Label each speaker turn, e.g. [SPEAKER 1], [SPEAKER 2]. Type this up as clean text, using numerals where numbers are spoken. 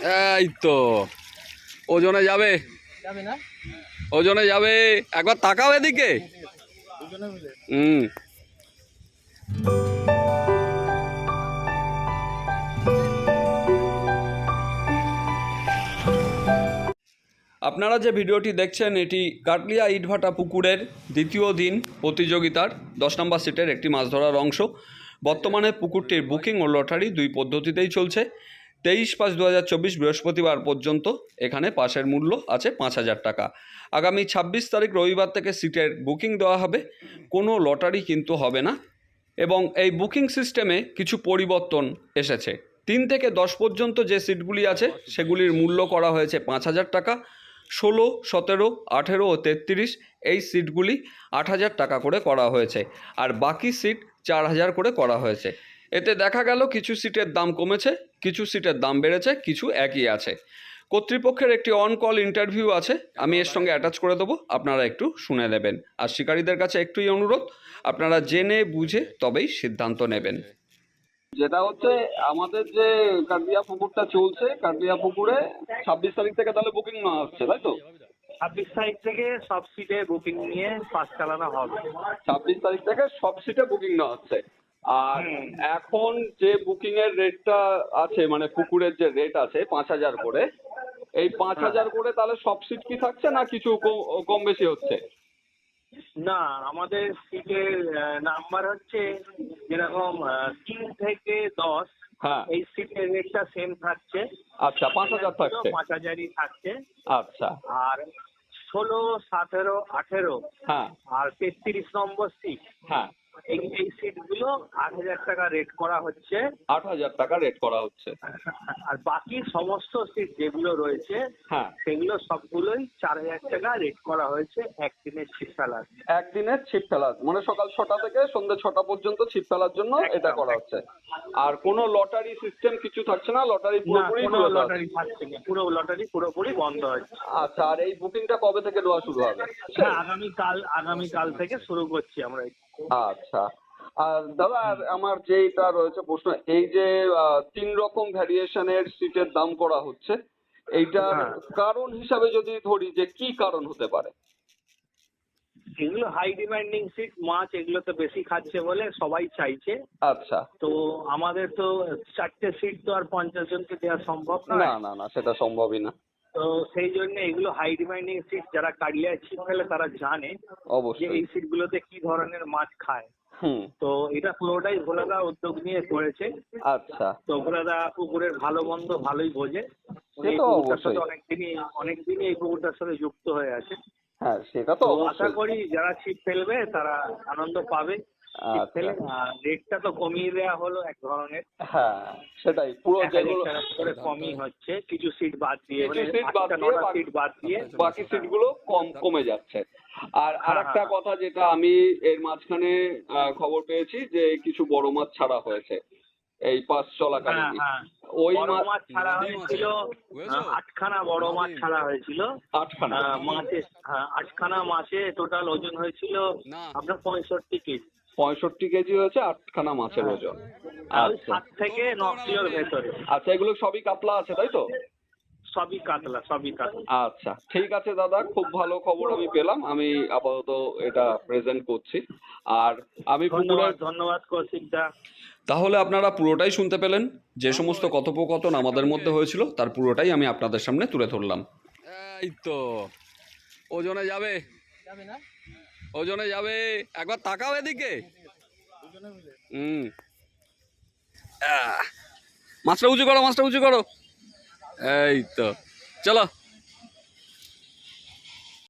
[SPEAKER 1] এই তো ওজনে যাবে,
[SPEAKER 2] না
[SPEAKER 1] ওজনে যাবে। একবার তাকাও এদিকে। হুম। আপনারা যে ভিডিওটি দেখছেন এটি কাটলিয়া ইটভাটা পুকুরের দ্বিতীয় দিন প্রতিযোগিতার 10 নম্বর সিটের একটি মাছ ধরার অংশ। বর্তমানে পুকুরটির বুকিং ও লটারি দুই পদ্ধতিতেই চলছে। 23/5/2024 বৃহস্পতিবার পর্যন্ত এখানে পাসের মূল্য আছে 5,000 টাকা। আগামী 26 তারিখ রবিবার থেকে সিটের বুকিং দেওয়া হবে, কোনো লটারি কিন্তু হবে না। এবং এই বুকিং সিস্টেমে কিছু পরিবর্তন এসেছে। 3 থেকে 10 পর্যন্ত যে সিটগুলি আছে সেগুলির মূল্য করা হয়েছে 5,000 টাকা। 16, 17, 18 ও 33 এই সিটগুলি 8,000 টাকা করে করা হয়েছে, আর বাকি সিট 4,000 করে করা হয়েছে। এতে দেখা গেল কিছু সিটের দাম কমেছে, কিছু সিটের দাম বেড়েছে, কিছু একই আছে। কর্তৃপক্ষের একটি অন কল ইন্টারভিউ আছে, আমি এর সঙ্গে অ্যাটাচ করে দেবো, আপনারা একটু শুনে নেবেন। আর শিকারীদের কাছে একটুই অনুরোধ, আপনারা জেনে বুঝে তবেই সিদ্ধান্ত নেবেন। যেটা হচ্ছে আমাদের যে কাটলিয়া পুকুরটা চলছে, কাটলিয়া পুকুরে 26 তারিখ থেকে তাহলে বুকিং নেওয়া হচ্ছে, তাই তো?
[SPEAKER 2] 26 তারিখ থেকে সব সিটে বুকিং নিয়ে পাস চালানো হবে।
[SPEAKER 1] 26 তারিখ থেকে সব সিটে বুকিং নেওয়া হচ্ছে। আর এখন যে বুকিং এর রেটটা আছে, মানে পুকুরের যে রেট আছে 5,000 করে, এই 5,000 করে তাহলে সব সিট কি থাকছে না কিছু কম বেশি হচ্ছে?
[SPEAKER 2] না, আমাদের সিটের নাম্বার হচ্ছে যেরকম 3 থেকে 10,
[SPEAKER 1] হ্যাঁ।
[SPEAKER 2] এই সিটের রেটটা সেম থাকছে।
[SPEAKER 1] আচ্ছা, 5,000 থাকছে।
[SPEAKER 2] 5,000ই থাকছে।
[SPEAKER 1] আচ্ছা।
[SPEAKER 2] আর 16, 17, 18
[SPEAKER 1] হ্যাঁ
[SPEAKER 2] আর 33 নম্বর সিট,
[SPEAKER 1] হ্যাঁ,
[SPEAKER 2] এই সিটগুলো 8,000 টাকা রেট করা হচ্ছে।
[SPEAKER 1] 8,000 টাকা রেট করা হচ্ছে।
[SPEAKER 2] আর বাকি সমস্ত সিট যেগুলো রয়েছে
[SPEAKER 1] হ্যাঁ,
[SPEAKER 2] সেগুলো সবগুলোই 4,000 টাকা রেট করা হয়েছে একদিনের ছিপ ফেলার।
[SPEAKER 1] একদিনের ছিপ ফেলা, মানে সকাল 6টা থেকে সন্ধ্যে 6টা পর্যন্ত ছিপ ফেলার জন্য এটা করা হচ্ছে। আর কোনো লটারি সিস্টেম কিছু থাকছে না, লটারি
[SPEAKER 2] না,
[SPEAKER 1] পুরোপুরি
[SPEAKER 2] কোনো
[SPEAKER 1] বিরত আছে।
[SPEAKER 2] লটারি থাকছে না, পুরো লটারি পুরোপুরি বন্ধ হচ্ছে।
[SPEAKER 1] আচ্ছা, আর এই বুকিংটা কবে থেকে দেওয়া শুরু হবে?
[SPEAKER 2] হ্যাঁ, আগামীকাল থেকে শুরু করছি আমরা।
[SPEAKER 1] আচ্ছা। আর দাদা, আর আমার যেটা রয়েছে প্রশ্ন, এই যে 3 রকম ভ্যারিয়েশনের সিটের দাম করা হচ্ছে, এইটার
[SPEAKER 2] হ্যাঁ।
[SPEAKER 1] কারণ হিসাবে যদি ধরি যে কি কারণ হতে পারে?
[SPEAKER 2] এগুলো হাই ডিমান্ডিং সিট, মাছ এগুলো তো বেশি খাচ্ছে বলে সবাই চাইছে।
[SPEAKER 1] আচ্ছা।
[SPEAKER 2] তো আমাদের তো 4টে সিট তো আর 50 জনকে দেওয়া সম্ভব
[SPEAKER 1] না
[SPEAKER 2] নয়।
[SPEAKER 1] না না, সেটা সম্ভবই না।
[SPEAKER 2] তো সেই জন্য এগুলো হাই ডিমান্ডিং সিট, যারা কাটলিয়ায় ছিপ ফেলে তারা জানে যে
[SPEAKER 1] অবশ্যই।
[SPEAKER 2] এই সিটগুলোতে কি ধরনের মাছ খায়।
[SPEAKER 1] হুম।
[SPEAKER 2] তো এটা পুরোটাই ভোলাদা উদ্যোগ নিয়ে করেছে।
[SPEAKER 1] আচ্ছা।
[SPEAKER 2] তো ভোলাদা পুকুরের ভালো মন্দ ভালোই বোঝে।
[SPEAKER 1] সে
[SPEAKER 2] এই
[SPEAKER 1] তো
[SPEAKER 2] পুকুরটার সাথে
[SPEAKER 1] অবশ্যই।
[SPEAKER 2] অনেকদিনই এই পুকুরটার সাথে যুক্ত হয়ে আছে।
[SPEAKER 1] হ্যাঁ, সেটা তো
[SPEAKER 2] তো আশা
[SPEAKER 1] অবশ্যই।
[SPEAKER 2] করি যারা ছিপ ফেলবে তারা আনন্দ পাবে ছিপ
[SPEAKER 1] আচ্ছা।
[SPEAKER 2] ফেলে। আর রেটটা তো কমিয়ে দেওয়া হলো এক ধরনের।
[SPEAKER 1] হ্যাঁ, সেটাই পুরো
[SPEAKER 2] 1,000
[SPEAKER 1] যেগুলো
[SPEAKER 2] টাকা করে কমই হচ্ছে, কিছু সিট বাদ দিয়ে,
[SPEAKER 1] কিছু
[SPEAKER 2] মানে
[SPEAKER 1] সিট বাদ
[SPEAKER 2] 8টা
[SPEAKER 1] দিয়ে
[SPEAKER 2] 9টা সিট বাদ দিয়ে।
[SPEAKER 1] বাকি সিটগুলো কমে যাচ্ছে। আর আরেকটা
[SPEAKER 2] হ্যাঁ।
[SPEAKER 1] কথা, যেটা আমি এর মাঝখানে খবর পেয়েছি যে কিছু বড় মাছ ছাড়া হয়েছে এই পাস
[SPEAKER 2] হ্যাঁ,
[SPEAKER 1] চলাকালীনই।
[SPEAKER 2] হ্যাঁ,
[SPEAKER 1] ওই
[SPEAKER 2] বড় মাছ ছাড়া হয়েছিল। 8খানা বড় মাছ ছাড়া হয়েছিল।
[SPEAKER 1] 8খানা।
[SPEAKER 2] মাছে, হ্যাঁ, 8খানা মাছে টোটাল ওজন হয়েছিল আপনার 65 কেজি।
[SPEAKER 1] 65 কেজি হয়েছে 8খানা মাছের ওজন।
[SPEAKER 2] ওই
[SPEAKER 1] আচ্ছা
[SPEAKER 2] 7 থেকে 9 কিলোর ভেতরে।
[SPEAKER 1] আচ্ছা, এগুলো সবই কাতলা আছে, তাই তো?
[SPEAKER 2] সবই কাতলা, সবই কাতলা।
[SPEAKER 1] আচ্ছা, ঠিক আছে দাদা, খুব ভালো খবর আমি পেলাম। আমি আপাতত এটা প্রেজেন্ট করছি। আর আমি
[SPEAKER 2] ধন্যবাদ কৌশিকদা।
[SPEAKER 1] তাহলে আপনারা পুরোটাই শুনতে পেলেন। যে সমস্ত কথোপকথন আমাদের মধ্যে হয়েছিল তার পুরোটাই আমি আপনাদের সামনে তুলে ধরলাম। এই তো ওজনে যাবে,
[SPEAKER 2] না
[SPEAKER 1] ওজনে যাবে। একবার তাকাও এদিকে। হুম। মাছটা উঁচু করো, মাছটা উঁচু করো। এই তো, চলো।